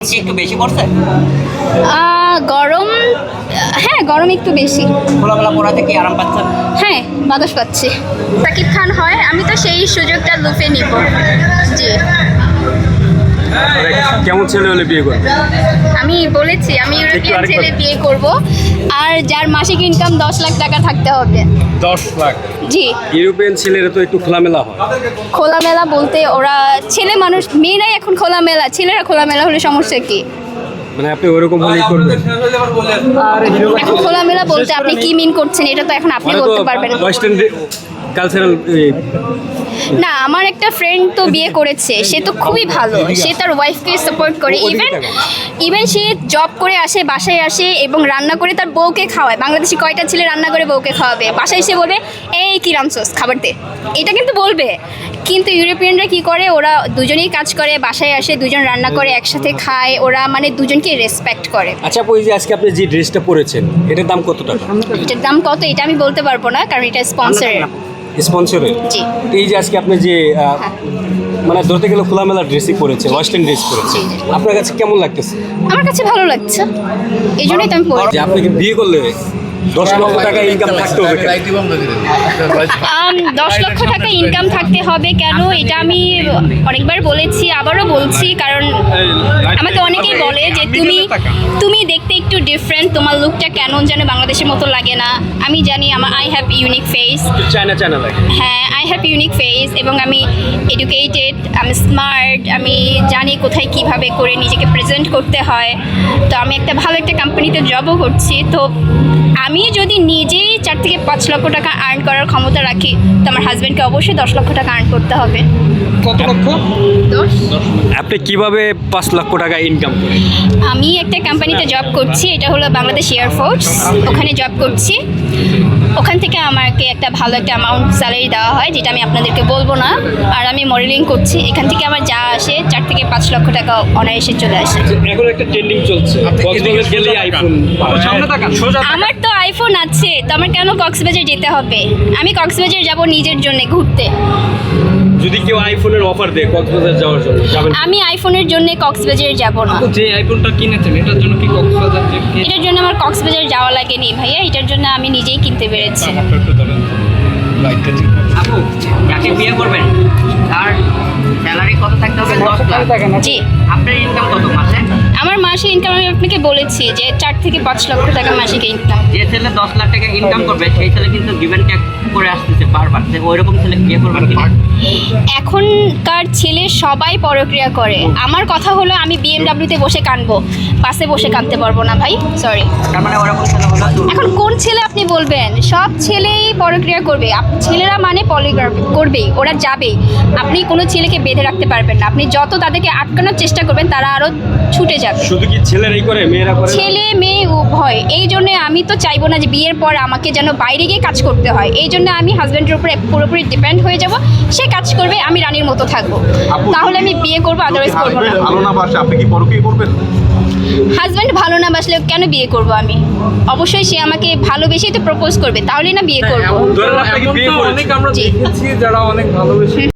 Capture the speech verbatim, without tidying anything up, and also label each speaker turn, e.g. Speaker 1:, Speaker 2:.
Speaker 1: কি একটু বেশি পড়ছে?
Speaker 2: আহ, গরম হ্যাঁ গরম একটু বেশি।
Speaker 1: খোলামেলা পড়াতে কি আরাম পাচ্ছেন?
Speaker 2: হ্যাঁ বাতাস পাচ্ছি। সাকিব খান হয়, আমি তো সেই সুযোগটা লুফে নিব। জি
Speaker 3: কেমন ছেলে হলে বিয়ে করবে?
Speaker 2: আমি বলেছি আমি ইউরোপিয়ান
Speaker 3: আরেকবার।
Speaker 2: ছেলে বিয়ে করব, আর যার মাসিক ইনকাম দশ লাখ টাকা থাকতে হবে।
Speaker 3: দশ লাখ?
Speaker 2: জি।
Speaker 3: ইউরোপিয়ান ছেলেরা তো একটু খোলামেলা হয়।
Speaker 2: খোলামেলা বলতে ওরা ছেলে মানুষ, মেয়েরাই এখন খোলামেলা, ছেলেরা খোলামেলা হলে সমস্যা কি?
Speaker 3: মানে আপনি ওরকম হলেই করবেন?
Speaker 2: এখন খোলামেলা বলতে আপনি কি মিন করছেন, এটা তো এখন আপনি
Speaker 3: মানে তো
Speaker 2: বলতে পারবেন না।
Speaker 3: Western cultural.
Speaker 2: না, আমার একটা ফ্রেন্ড তো বিয়ে করেছে, সে তো খুবই ভালো, সে তার ওয়াইফকে সাপোর্ট করে।
Speaker 3: ও- ওদিকে
Speaker 2: ইভেন
Speaker 3: তাকাও।
Speaker 2: ইভেন সে জব করে আসে, বাসায় আসে এবং রান্না করে তার বউকে খাওয়ায়। বাংলাদেশি কয়টা ছেলে রান্না করে বউকে খাওয়াবে? বাসায় এসে বলবে এই কি রামসোস খাবার দে, এটা কিন্তু বলবে। কিন্তু ইউরোপিয়ানরা কি করে, ওরা দুজনেই কাজ করে, বাসায় আসে দুজন রান্না করে একসাথে খায়, ওরা মানে দুজনকে রেসপেক্ট করে।
Speaker 3: আচ্ছা আপু, এই যে আজকে আপনি যে ড্রেসটা পরেছেন এটার দাম কত টাকা?
Speaker 2: এটার দাম কত এটা আমি বলতে পারবো না, কারণ এটা স্পন্সরের।
Speaker 3: স্পন্সরের?
Speaker 2: জি।
Speaker 3: এই যে আজকে আপনি যে আহ, মানে ধরতে গেলে খোলামেলা ড্রেসই পরেছে, ওয়েস্টার্ন ড্রেস পরেছে, আপনার কাছে কেমন লাগতেছে?
Speaker 2: আমার কাছে ভালো লাগছে, এই জন্যই তো আমি পড়ি।
Speaker 3: যে আপনি কি বিয়ে করলে দশ লক্ষ টাকা ইনকাম থাকতে হবে কেন?
Speaker 2: আম, দশ লক্ষ টাকা ইনকাম থাকতে হবে কেন, এটা আমি অনেকবার বলেছি, আবারও বলছি, কারণ আমাকে অনেকেই বলে যে তুমি তুমি দেখতে একটু ডিফারেন্ট, তোমার লুকটা কেন যেন বাংলাদেশের মতো লাগে না। আমি জানি আমার I have unique face.
Speaker 3: China China লাগে।
Speaker 2: হ্যাঁ, আই হ্যাভ ইউনিক ফেস এবং আমি এডুকেটেড, আমি স্মার্ট, আমি জানি কোথায় কিভাবে করে নিজেকে প্রেজেন্ট করতে হয়। তো আমি একটা ভালো একটা কোম্পানিতে জবও করছি। তো আমি যদি নিজেই চার থেকে পাঁচ লক্ষ টাকা আর্ন করার ক্ষমতা রাখি, তো আমার হাজব্যান্ডকে অবশ্যই দশ লক্ষ টাকা আর্ন করতে হবে।
Speaker 3: কত লক্ষ?
Speaker 2: দশ।
Speaker 3: আপনি কিভাবে পাঁচ লক্ষ টাকা ইনকাম করেন?
Speaker 2: আমি একটা কোম্পানিতে জব করছি, এটা হলো বাংলাদেশ এয়ারফোর্স, ওখানে জব করছি। ওখান থেকে আমাকে একটা ভালো একটা অ্যামাউন্ট স্যালারি দেওয়া হয়, যেটা আমি আপনাদেরকে বলবো না। আর আমি মডেলিং করছি, এখান থেকে আমার যা আসে চার থেকে পাঁচ লক্ষ টাকা অনায়াসে চলে আসে।
Speaker 3: এখন একটা ট্রেন্ডিং চলছে, কক্সবাজার গেলেই আইফোন। সামনে তাকান।
Speaker 2: আমার তো আইফোন আছে, তো আমার কেন কক্সবাজার যেতে হবে? আমি কক্সবাজার যাব নিজের জন্য ঘুরতে।
Speaker 3: যদি কেউ আইফোনের অফার দেয় কক্সবাজার যাওয়ার জন্য, যাবেন?
Speaker 2: আমি আইফোনের জন্য কক্সবাজার যাব না।
Speaker 4: যে আইফোনটা কিনেছেন এটার জন্য কি কক্সবাজার যে কি-
Speaker 2: এটার জন্য আমার কক্সবাজার যাওয়া লাগেনি ভাইয়া, এটার জন্য আমি নিজেই কিনতে পেরেছি।
Speaker 4: ব্যাপারটা একটু ধরেন তো। লাইটটা ঠিক আছে।
Speaker 1: আপু যাকে বিয়ে করবেন তার স্যালারি কত থাকতে হবে? দশ লাখ।
Speaker 2: জি।
Speaker 1: আপনার ইনকাম কত মাসে?
Speaker 2: আমার মাসিক ইনকাম আমি আপনাকে বলেছি যে চার থেকে পাঁচ লক্ষ টাকা মাসিক ইনকাম।
Speaker 1: যে ছেলে দশ লাখ টাকা ইনকাম করবে সেই ছেলে কিন্তু গিভেন ট্যাক করে আসতেছে বারবার, যে ওইরকম ছেলে বিয়ে করবেন কিনা?
Speaker 2: এখনকার ছেলে সবাই পরক্রিয়া করে। আমার কথা হলো আমি বিএমডাব্লিউতে বসে কাঁদবো, বাসে বসে কাঁদতে পারবো না ভাই, সরি।
Speaker 1: তার মানে ওরকম ছেলে হলো দুর্বল।
Speaker 2: এখন কোন ছেলে আপনি বলবেন? সব ছেলেই পরক্রিয়া করবে। আপ- ছেলেরা মানে পলিগ্রাফি করবেই, ওরা যাবেই। আপনি কোনো ছেলেকে বেঁধে রাখতে পারবেন না। আপনি যত তাদেরকে আটকানোর চেষ্টা করবেন, তারা আরও ছুটে যাবে।
Speaker 3: শুধু কি ছেলেরাই করে, মেয়েরা করে না?
Speaker 2: ছেলে মেয়ে উভয়। এই জন্য আমি তো চাইবো না যে বিয়ের পর আমাকে যেন বাইরে গিয়ে কাজ করতে হয়। এই জন্য আমি হাজব্যান্ডের উপরে পুরোপুরি ডিপেন্ড হয়ে যাব। সে কাজ করবে, আমি রানীর মতো থাকবো। তাহলে আমি বিয়ে করবো, আদারওয়াইজ করবো না।
Speaker 5: ভালো না বাসে আপনি কি পরকীয়া করবেন?
Speaker 2: হাজব্যান্ড ভালো না বাসলে কেন বিয়ে করব আমি? অবশ্যই সে আমাকে ভালোবেসেই তো প্রপোজ করবে, তাহলেই না বিয়ে করবো।
Speaker 3: ধরেন আপনাকে
Speaker 4: এমন
Speaker 3: বিয়ে
Speaker 4: তো
Speaker 3: করেছে।
Speaker 4: অনেক আমরা
Speaker 2: জি।
Speaker 4: দেখেছি যারা অনেক ভালোবেসে